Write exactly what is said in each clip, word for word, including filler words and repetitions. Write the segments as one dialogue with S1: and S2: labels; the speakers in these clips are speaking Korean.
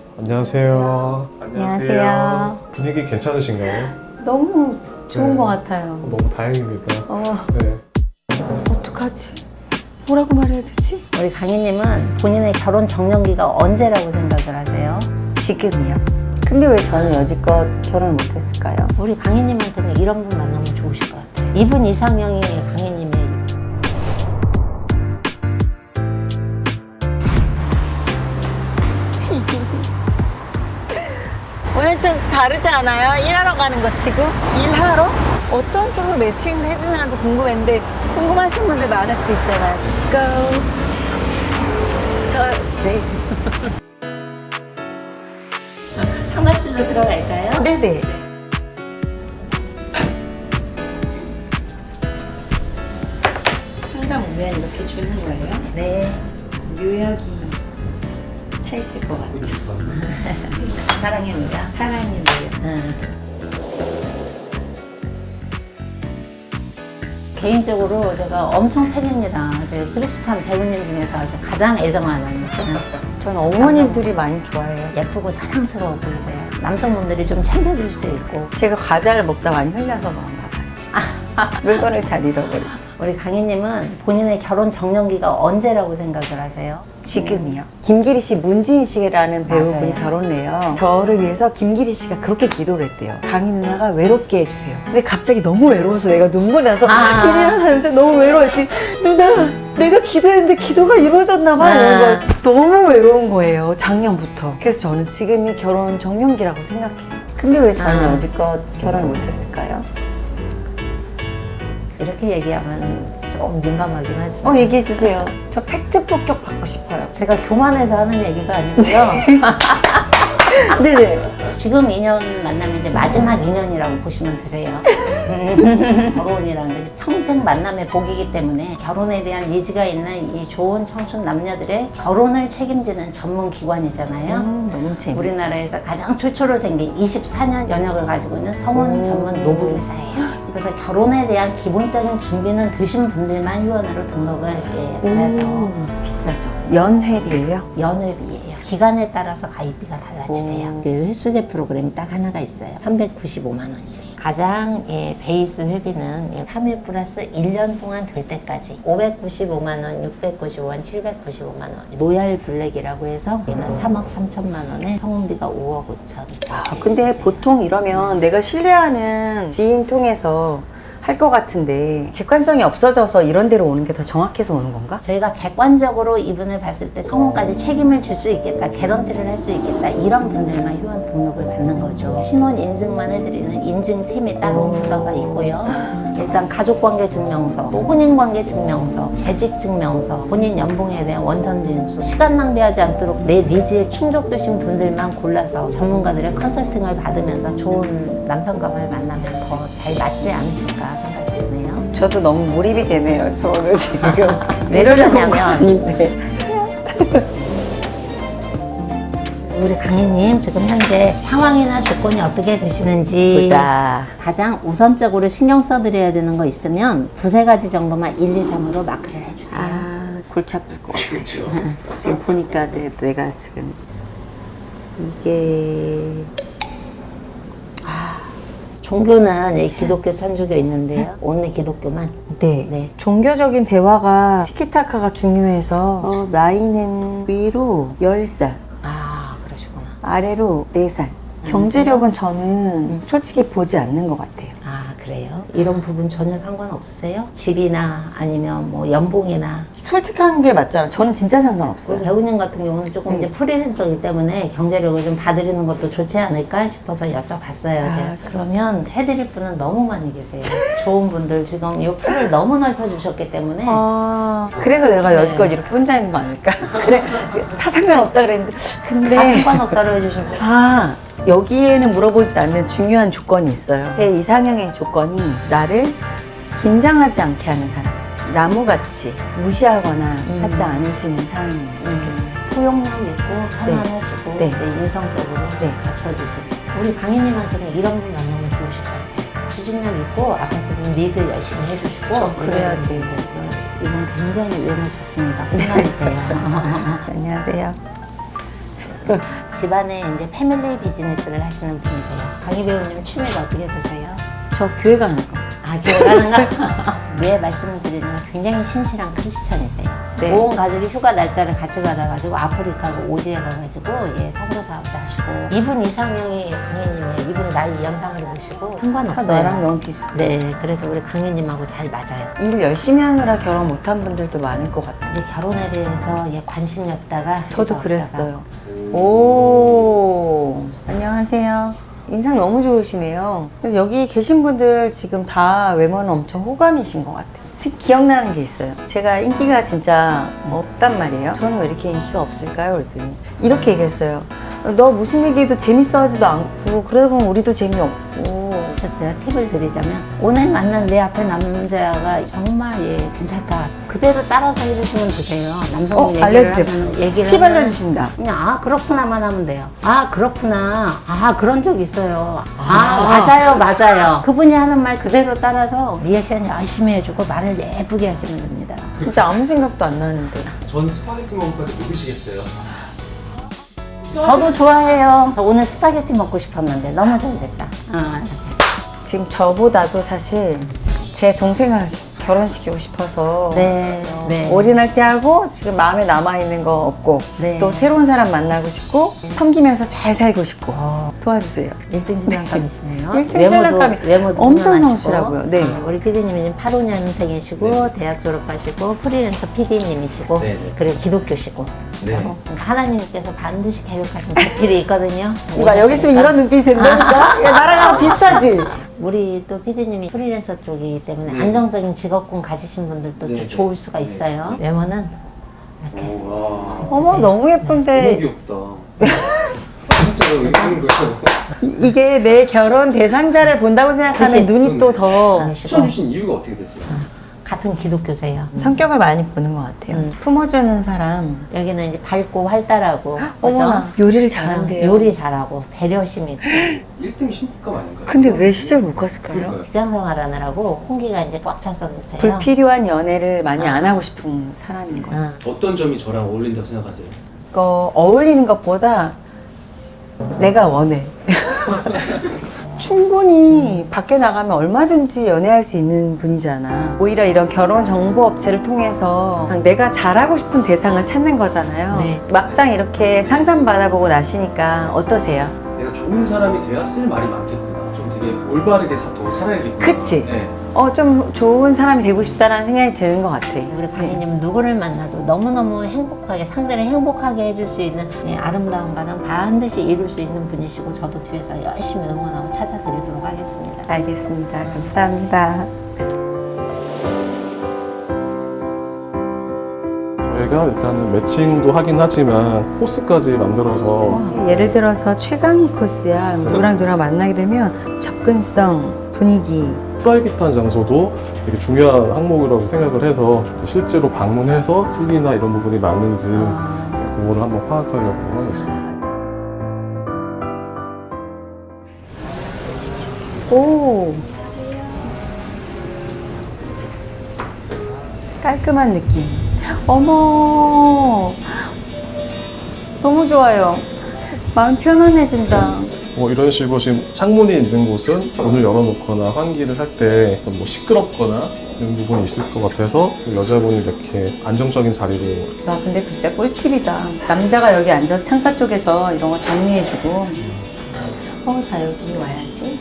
S1: 안녕하세요.
S2: 안녕하세요.
S1: 분위기 괜찮으신가요?
S2: 너무 좋은
S1: 네.
S2: 것 같아요.
S1: 너무 다행입니다.
S2: 어,
S1: 네.
S2: 어떡하지? 뭐라고 말해야 되지?
S3: 우리 강희님은 본인의 결혼 적령기가 언제라고 생각을 하세요?
S2: 지금이요. 근데 왜 저는 여지껏 결혼을 못했을까요?
S3: 우리 강희님한테는 이런 분 만나면 좋으실 것 같아요. 이분 이상형이 강희님의
S2: 오늘 좀 다르지 않아요? 일하러 가는 거 지금? 일하러? 어떤 식으로 매칭을 해주나도 궁금했는데 궁금하신 분들 많을 수도 있잖아요. Go. 저, 네.
S3: 상담실로 들어갈까요?
S2: 네네. 상담 오면 이렇게 주는 거예요?
S3: 네.
S2: 묘약이 타 있을 것 같아요.
S3: 사랑의 묘야.
S2: 사랑의 묘약.
S3: 응. 개인적으로 제가 엄청 팬입니다. 네, 크리스찬 배우님 중에서 가장 애정하는
S2: 전 어머님들이 많이 좋아해요.
S3: 예쁘고 사랑스러워 보이세요. 남성분들이 좀 챙겨줄 수 있고.
S2: 제가 과자를 먹다 많이 흘려서 그런가 봐요. 물건을 잘 잃어버리고.
S3: 우리 강희님은 본인의 결혼 적령기가 언제라고 생각을 하세요?
S2: 지금이요. 김기리 씨, 문지인 씨라는 배우분이
S3: 맞아요.
S2: 결혼을 해요. 저를 위해서 김기리 씨가 그렇게 기도를 했대요. 강희 누나가 외롭게 해주세요. 근데 갑자기 너무 외로워서 내가 눈물이 나서
S3: 아.
S2: 기리야 요새 너무 외로워했더니 누나 내가 기도했는데 기도가 이루어졌나 봐.
S3: 아.
S2: 이런 거 너무 외로운 거예요. 작년부터. 그래서 저는 지금이 결혼 적령기라고 생각해요. 근데 왜 저는
S3: 아.
S2: 여지껏 결혼을 못했을까요?
S3: 이렇게 얘기하면 조금 민감하긴 하지만
S2: 어, 얘기해 주세요. 저 팩트 폭격 받고 싶어요.
S3: 제가 교만해서 하는 얘기가 아니고요.
S2: 네네.
S3: 지금 인연 만나면 이제 마지막 인연이라고 보시면 되세요. 결혼이라는 게 평생 만남의 복이기 때문에 결혼에 대한 니즈가 있는 이 좋은 청춘 남녀들의 결혼을 책임지는 전문 기관이잖아요.
S2: 음, 너무 재밌
S3: 우리나라에서 가장 최초로 생긴 이십사 년 연역을 가지고 있는 성원
S2: 오.
S3: 전문 노블의사예요. 그래서 결혼에 대한 기본적인 준비는 되신 분들만 회원으로 등록을 예, 해서
S2: 비싸죠. 연회비예요?
S3: 연회비예요. 기간에 따라서 가입비가 달라지세요.
S2: 오.
S3: 그 횟수제 프로그램이 딱 하나가 있어요. 삼백구십오만 원이세요. 가장 예, 베이스 회비는 예, 삼 회 플러스 일 년 동안 될 때까지 오백구십오만 원, 육백구십오 원, 칠백구십오만 원. 노얄 블랙이라고 해서 얘는 삼억 삼천만 원에 성운비가 오억 오천.
S2: 아, 근데 보통 이러면 내가 신뢰하는 지인 통해서 할 것 같은데 객관성이 없어져서 이런 데로 오는 게 더 정확해서 오는 건가?
S3: 저희가 객관적으로 이분을 봤을 때 성혼까지 책임을 질 수 있겠다, 개런티를 할 수 있겠다 이런 분들만 회원 등록을 받는 거죠. 신원 인증만 해드리는 인증팀이 따로 부서가 있고요. 일단 가족관계 증명서, 또 혼인관계 증명서, 재직 증명서, 본인 연봉에 대한 원천 진수, 시간 낭비하지 않도록 내 니즈에 충족되신 분들만 골라서 전문가들의 컨설팅을 받으면서 좋은 남성감을 만나면 더 잘 맞지 않으실까 생각이 드네요.
S2: 저도 너무 몰입이 되네요. 저는 지금
S3: 왜 그러냐면
S2: 아닌데.
S3: 우리 강희님 지금 현재 상황이나 조건이 어떻게 되시는지
S2: 보자.
S3: 가장 우선적으로 신경 써드려야 되는 거 있으면 두세 가지 정도만 일, 이, 삼으로 마크를 해주세요.
S2: 아, 골치 아플 것 같아.
S1: 그렇죠.
S2: 지금 보니까 내, 내가 지금 이게
S3: 종교는 이 기독교, 천주교 있는데요. 오늘 기독교만.
S2: 네.
S3: 네.
S2: 종교적인 대화가 티키타카가 중요해서 어, 나이는 위로 열 살,
S3: 아, 그러시구나.
S2: 아래로 네 살. 경제력은 저는 솔직히 보지 않는 것 같아요.
S3: 아, 그래요? 이런 부분 전혀 상관없으세요? 집이나 아니면 뭐 연봉이나.
S2: 솔직한 게 맞잖아. 저는 진짜 상관없어요.
S3: 배우님 같은 경우는 조금 이제
S2: 네.
S3: 프리랜서이기 때문에 경제력을 좀 봐드리는 것도 좋지 않을까 싶어서 여쭤봤어요.
S2: 아,
S3: 제가. 그러면 해드릴 분은 너무 많이 계세요. 좋은 분들 지금 이 풀을 너무 넓혀주셨기 때문에
S2: 아, 그래서 내가 여지껏 이렇게 혼자 있는 거 아닐까? 그래, 다 상관없다 그랬는데. 근데.
S3: 다 상관없다고 해주셔서
S2: 아, 여기에는 물어보지 않는 중요한 조건이 있어요. 제 이상형의 조건이 나를 긴장하지 않게 하는 사람. 나무같이 무시하거나
S3: 음.
S2: 하지 않으시는 사람이면 좋겠어요.
S3: 포용력 있고 편안하시고
S2: 네.
S3: 네, 인성적으로
S2: 네.
S3: 갖춰주시고 우리 강희님한테는 이런 분 만나면 좋으실 것 같아요. 추진력 있고 아까 지금 리드 열심히 해주시고
S2: 저 그래야
S3: 이런
S2: 돼요.
S3: 분들. 이분 굉장히 외모 좋습니다. 순간이세요.
S2: 안녕하세요.
S3: 집안에 이제 패밀리 비즈니스를 하시는 분이세요. 강희 배우님 취미가 어떻게 되세요?
S2: 저 교회 가는 거.
S3: 아, 교회 가는 거? 왜 말씀을 드리는 건 굉장히 신실한 크리스천이세요.
S2: 네.
S3: 온 가족이 휴가 날짜를 같이 받아가지고 아프리카고 오지에 가가지고 예 선교 사업도 하시고 이분 이상형이 강희님이에요. 이분 나이 영상을 보시고
S2: 상관없어요.
S3: 저랑
S2: 너무 비슷.
S3: 네, 그래서 우리 강희님하고 잘 맞아요.
S2: 일 열심히 하느라 결혼 못한 분들도 많을 것 같아요.
S3: 이제 결혼에 대해서 예 관심이 없다가
S2: 저도
S3: 없다가.
S2: 그랬어요. 오, 안녕하세요. 인상 너무 좋으시네요. 여기 계신 분들 지금 다 외모는 엄청 호감이신 것 같아요. 특히 기억나는 게 있어요. 제가 인기가 진짜 없단 말이에요. 저는 왜 이렇게 인기가 없을까요? 그랬더니 이렇게 얘기했어요. 너 무슨 얘기해도 재밌어 하지도 않고 그러다 보면 우리도 재미없고.
S3: 그래서 제가 팁을 드리자면 오늘 만난 내 앞에 남자가 정말 예 괜찮다. 그대로 따라서 해주시면 되세요. 남성분
S2: 어,
S3: 얘기를
S2: 알려주세요.
S3: 하면 얘기를
S2: 팁
S3: 하면
S2: 알려주신다.
S3: 그냥 아 그렇구나만 하면 돼요. 아 그렇구나. 아 그런 적 있어요. 아,
S2: 아.
S3: 맞아요 맞아요. 그분이 하는 말 그대로 따라서 리액션 열심히 해주고 말을 예쁘게 하시면 됩니다.
S2: 진짜 아무 생각도 안 나는데.
S4: 전 스파게티 먹을 건데 뭐 드시겠어요?
S3: 저도 좋아해요. 오늘 스파게티 먹고 싶었는데 너무 잘 됐다. 아,
S2: 지금 저보다도 사실 제 동생을 결혼시키고 싶어서
S3: 네, 네.
S2: 올인할 때 하고 지금 마음에 남아있는 거 없고
S3: 네.
S2: 또 새로운 사람 만나고 싶고 섬기면서 잘 살고 싶고
S3: 어.
S2: 도와주세요.
S3: 일 등 신랑감이시네요.
S2: 일 등 신랑감이
S3: 외모도
S2: 엄청
S3: 훌륭하시고.
S2: 성실하고요. 네.
S3: 어, 우리 피디님이 지금 팔십오 년생이시고
S4: 네.
S3: 대학 졸업하시고 프리랜서 피디님이시고
S4: 네, 네.
S3: 그리고 기독교시고
S4: 네.
S3: 어, 하나님께서 반드시 계획하신 자필이 있거든요.
S2: 이봐 여기 있으면 이런 눈빛이 된다니까? 야, 나랑 비슷하지?
S3: 우리 또 피디님이 프리랜서 쪽이기 때문에
S4: 네.
S3: 안정적인 직업군 가지신 분들도
S4: 네,
S3: 또
S4: 네.
S3: 좋을 수가
S4: 네.
S3: 있어요. 외모는 이렇게
S4: 오, 와.
S2: 어머 너무
S4: 너무
S2: 예쁜데
S4: 귀엽다. 진짜 왜 이러는 거예요?
S2: 이- 이게 내 결혼 대상자를 본다고 생각하면
S3: 그치.
S2: 눈이 또 더
S3: 아,
S4: 추천 주신 이유가 어떻게 되세요?
S3: 같은 기독교세요.
S2: 성격을 많이 보는 것 같아요.
S3: 음.
S2: 품어주는 사람.
S3: 여기는 이제 밝고 활달하고
S2: 어머나
S3: 그죠?
S2: 요리를
S3: 어,
S2: 잘한대요.
S3: 요리 잘하고 배려심 있고
S4: 일 등 신부감 아닌가요?
S2: 근데 왜 시절 못 갔을까요?
S4: 그러니까요.
S3: 직장 생활하느라고 홍기가 이제 꽉 차서 그러세요.
S2: 불필요한 연애를 많이
S3: 아.
S2: 안 하고 싶은 사람인 거지.
S3: 어.
S4: 어떤 점이 저랑 어울린다고 생각하세요?
S2: 어, 어울리는 것보다 내가 원해. 충분히 밖에 나가면 얼마든지 연애할 수 있는 분이잖아. 오히려 이런 결혼 정보 업체를 통해서 내가 잘하고 싶은 대상을 찾는 거잖아요.
S3: 네.
S2: 막상 이렇게 상담 받아보고 나시니까 어떠세요?
S4: 내가 좋은 사람이 돼야 쓸 말이 많겠구나. 좀 되게 올바르게 사, 더 살아야겠구나.
S2: 그치?
S4: 네.
S2: 어, 좀 좋은 사람이 되고 싶다라는 생각이 드는 것 같아.
S3: 우리 강희님은 누구를 만나도 너무너무 행복하게 상대를 행복하게 해줄 수 있는 예, 아름다운 가정 반드시 이룰 수 있는 분이시고 저도 뒤에서 열심히 응원하고 찾아드리도록 하겠습니다.
S2: 알겠습니다. 감사합니다.
S1: 저희가 일단은 매칭도 하긴 하지만 코스까지 만들어서
S2: 예를 들어서 최강희 코스야. 누구랑 누구랑 만나게 되면 접근성, 분위기,
S1: 프라이빗한 장소도 되게 중요한 항목이라고 생각을 해서 실제로 방문해서 숙이나 이런 부분이 맞는지 그거를 한번 파악하려고 하겠습니다.
S2: 오 깔끔한 느낌. 어머 너무 좋아요. 마음 편안해진다.
S1: 뭐 이런 식으로 지금 창문이 있는 곳은 문을 열어놓거나 환기를 할 때 뭐 시끄럽거나 이런 부분이 있을 것 같아서 여자분이 이렇게 안정적인 자리로
S2: 와 근데 진짜 꿀팁이다. 남자가 여기 앉아서 창가 쪽에서 이런 거 정리해주고 어 나 여기 와야지.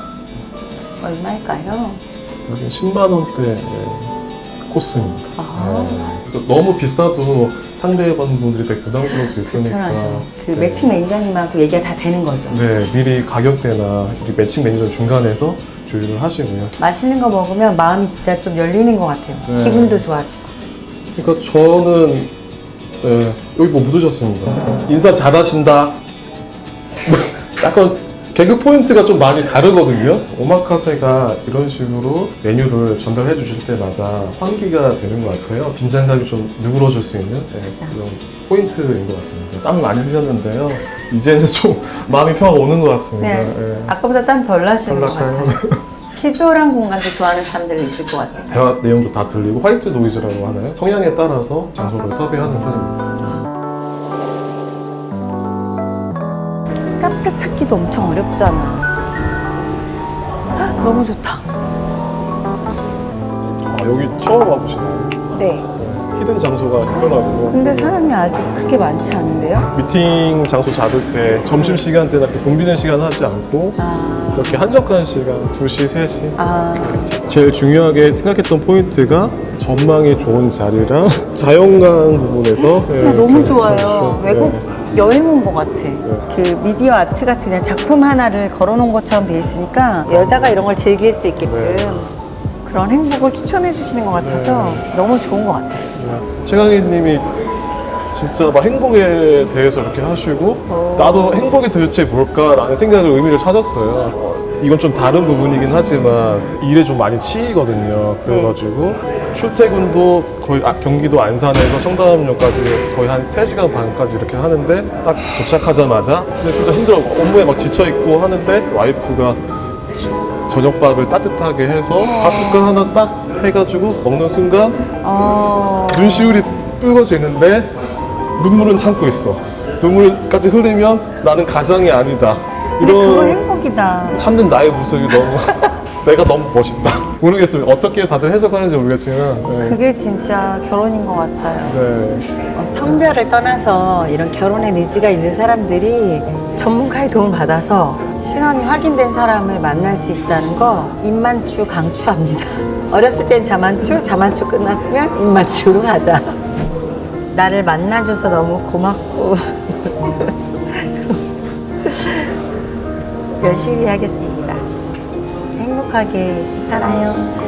S2: 얼마일까요?
S1: 여기 십만 원대 코스입니다.
S2: 아.
S1: 네. 너무 비싸도 상대방분들이 되게 부담스러울 수 있으니까
S2: 편하죠. 그
S1: 네.
S2: 매칭 매니저님하고 얘기가 다 되는 거죠.
S1: 네, 미리 가격대나 우리 매칭 매니저 중간에서 조율을 하시고요.
S2: 맛있는 거 먹으면 마음이 진짜 좀 열리는 것 같아요.
S1: 네.
S2: 기분도 좋아지고.
S1: 그러니까 저는 네, 여기 뭐 묻으셨습니다. 인사 잘하신다. 약간 개그 포인트가 좀 많이 다르거든요. 오마카세가 이런 식으로 메뉴를 전달해 주실 때마다 환기가 되는 것 같아요. 긴장감이 좀 누그러질 수 있는 네, 그런 포인트인 것 같습니다. 땀 많이 흘렸는데요. 이제는 좀 마음이 평화가 오는 것 같습니다.
S2: 네.
S1: 네.
S2: 아까보다 땀 덜 나시는 것
S1: 덜
S2: 같아요. 캐주얼한 공간도 좋아하는 사람들이 있을 것 같아요.
S1: 대화 내용도 다 들리고 화이트 노이즈라고 하나요? 성향에 따라서 장소를 섭외하는 편입니다.
S2: 카페 찾기도 엄청 어렵잖아. 헉, 너무 좋다.
S1: 아, 여기 처음 와보시나요?
S2: 네.
S1: 네, 히든 장소가 있더라고요.
S2: 근데 사람이 아직 그렇게 많지 않은데요?
S1: 미팅 장소 잡을 때 점심 시간대나 그 붐비는 시간 하지 않고
S2: 아,
S1: 이렇게 한적한 시간 두 시, 세 시.
S2: 아,
S1: 제일 중요하게 생각했던 포인트가 전망이 좋은 자리랑 자연광 부분에서 네,
S2: 근데 너무
S1: 이렇게
S2: 좋아요.
S1: 참,
S2: 외국
S1: 네.
S2: 여행 온 것 같아. 그 미디어 아트 같이 그냥 작품 하나를 걸어놓은 것처럼 돼 있으니까 여자가 이런 걸 즐길 수 있게끔
S1: 네.
S2: 그런 행복을 추천해 주시는 것 같아서 너무 좋은 것 같아요.
S1: 네. 최강희님이 진짜 막 행복에 대해서 이렇게 하시고
S2: 어.
S1: 나도 행복이 도대체 뭘까라는 생각을 의미를 찾았어요. 어, 이건 좀 다른 부분이긴 하지만 일에 좀 많이 치이거든요. 그래가지고 출퇴근도 거의 아, 경기도 안산에서 청담역까지 거의 한 세 시간 반까지 이렇게 하는데 딱 도착하자마자 근데 진짜 힘들어 업무에 막 지쳐있고 하는데 와이프가 저녁밥을 따뜻하게 해서 밥 숟갈 하나 딱 해가지고 먹는 순간
S2: 어,
S1: 눈시울이 붉어지는데 눈물은 참고 있어. 눈물까지 흘리면 나는 가장이 아니다.
S2: 근데 그거
S1: 이런
S2: 행복이다.
S1: 참는 나의 모습이 너무 내가 너무 멋있다. 모르겠어요. 어떻게 다들 해석하는지 모르겠지만 네.
S2: 그게 진짜 결혼인 것 같아요.
S1: 네.
S2: 어, 성별을 떠나서 이런 결혼의 의지가 있는 사람들이 전문가의 도움을 받아서 신원이 확인된 사람을 만날 수 있다는 거 입만추 강추합니다. 어렸을 땐 자만추, 자만추 끝났으면 입만추로 가자. 나를 만나줘서 너무 고맙고 열심히 하겠습니다. 행복하게 살아요.